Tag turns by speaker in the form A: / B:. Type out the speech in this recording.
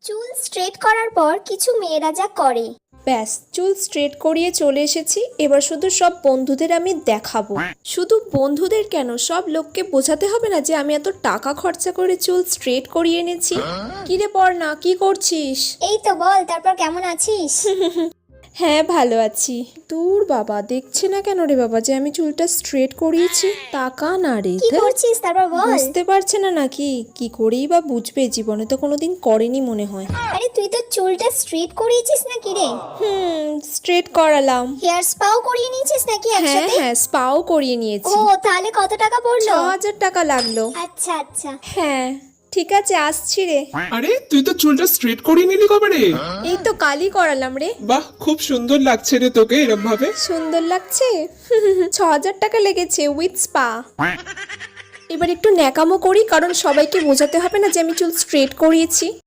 A: চুল স্ট্রেট করার পর কিছু মেয়েরা যা করে।
B: ব্যাস চুল স্ট্রেট করিয়ে চলে এসেছি। এবার শুধু সব বন্ধুদের আমি দেখাবো। শুধু বন্ধুদের কেন, সব লোককে বোঝাতে হবে না যে আমি এত টাকা খরচা করে চুল স্ট্রেট করিয়ে এনেছি। কিরে পড়না, কি করছিস?
A: এই তো বল, তারপর কেমন আছিস?
B: হ্যাঁ ভালো আছি। দূর বাবা, দেখছে না কেন রে বাবা যে আমি চুলটা স্ট্রেট করিয়েছি? টাকা না রে,
A: কি করছিস তারপর বল।
B: বুঝতে পারছে না নাকি? কি করেই বা বুঝবে, জীবনে তো কোনোদিন করেনি মনে হয়।
A: আরে তুই তো চুলটা স্ট্রেট করিয়েছিস নাকি রে?
B: স্ট্রেট করালাম।
A: হেয়ার স্পাও করিয়ে নিয়েছিস নাকি
B: হ্যাঁ
A: একসাথে?
B: হ্যাঁ, স্পাও করিয়ে
A: ও
B: নিয়েছি।
A: তাহলে কত টাকা পড়লো?
B: 6,000 টাকা লাগলো।
A: আচ্ছা আচ্ছা।
B: হ্যাঁ ঠিক আছে, আসছি রে।
C: আরে তুই তো চুলটা স্ট্রেট করিয়ে নিলি কবে রে?
B: এই তো কালই করালাম রে।
C: বাহ, খুব সুন্দর লাগছে রে তোকে এরম ভাবে।
B: সুন্দর লাগছে। 6,000 টাকা লেগেছে উইথ স্পা। এবার একটু ন্যাকামো করি, কারণ সবাইকে বোঝাতে হবে না যে আমি চুল স্ট্রেট করিয়েছি।